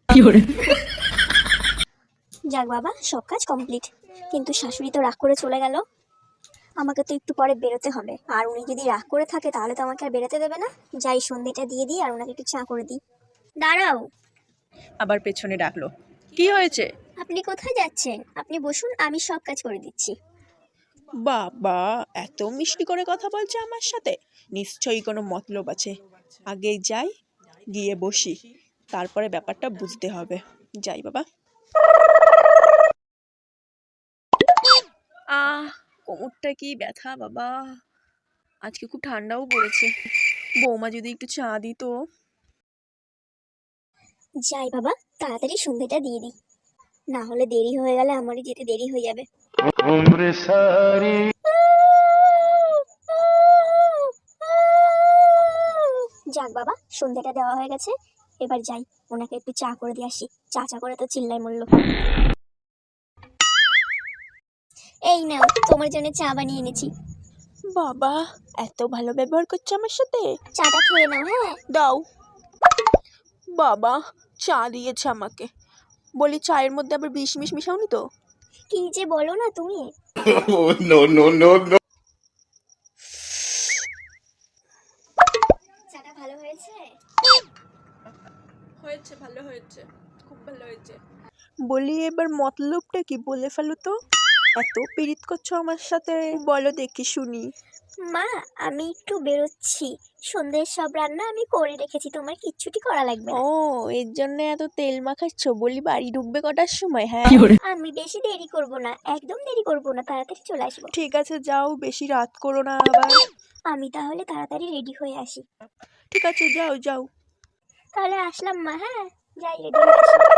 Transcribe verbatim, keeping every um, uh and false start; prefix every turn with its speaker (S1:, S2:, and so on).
S1: যাক বাবা, সব কাজ কমপ্লিট। কিন্তু শাশুড়ি তো রাগ করে চলে গেল। আমাকে তো একটু পরে বেরোতে হবে, আর উনি যদি রাগ করে থাকে তাহলে তো আমাকে আর বেরোতে দেবে না। যাই, সন্ধ্যেটা দিয়ে দিই আর ওনাকে একটু চা করে দিই। দাঁড়াও।
S2: আবার পেছনে ডাকলো, কি হয়েছে?
S1: আপনি কোথায় যাচ্ছেন? আপনি বসুন, আমি সব কাজ করে দিচ্ছি।
S2: বাবা, এত মিষ্টি করে কথা বলছে আমার সাথে, নিশ্চয়ই কোনো মতলব আছে। আগে যাই, গিয়ে বসি, তারপরে ব্যাপারটা বুঝতে হবে। যাই বাবা। আহ, কোমরটা কি ব্যথা বাবা। আজকে খুব ঠান্ডাও পড়েছে। বৌমা যদি একটু চা দিত।
S1: যাই বাবা, তাড়াতাড়ি সন্ধ্যেটা দিয়ে দিই, না হলে দেরি হয়ে গেলে আমারই যেতে দেরি হয়ে যাবে। যাক বাবা, সন্ধ্যাটা দেওয়া হয়ে গেছে, এবার যাই, ওনাকে একটু চা করে দিয়ে আসি। চা চা করে তো চিল্লাই মরল। এই নাও, তোমার জন্য চা বানিয়ে এনেছি।
S2: বাবা, এত ভালো ব্যবহার করছে আমার সাথে।
S1: চাটা খেয়ে নাও। হ্যাঁ
S2: দাও। বাবা, চা দিয়েছে আমাকে, বলি চায়ের মধ্যে আবার বিষ মিশ মিশাওনি তো?
S1: কি যে বলো না তুমি।
S3: no, no, no, no.
S1: চাটা ভালো হয়েছে?
S2: হয়েছে, ভালো হয়েছে, খুব ভালো হয়েছে। বলি এবার মতলবটা কি বলে ফেলো তো। এত পীড়িত করছো আমার সাথে, বলো দেখি শুনি।
S1: মা, আমি একটু বেরোচ্ছি, সন্ধ্যের সব রান্না আমি করে রেখেছি, তোমার কিচ্ছুটি করা লাগবে না।
S2: ও, এর জন্য এত তেল মাখাচ্ছ? বলি বাড়ি ঢুকবে কটার সময়? হ্যাঁ,
S1: আমি বেশি দেরি করব না, একদম দেরি করব না, তাড়াতাড়ি চলে আসবো।
S2: ঠিক আছে, যাও, বেশি রাত করো না আবার।
S1: আমি তাহলে তাড়াতাড়ি রেডি হয়ে আসি।
S2: ঠিক আছে, যাও যাও।
S1: তাহলে আসলাম মা। হ্যাঁ, যাই, রেডি হয়ে আসি।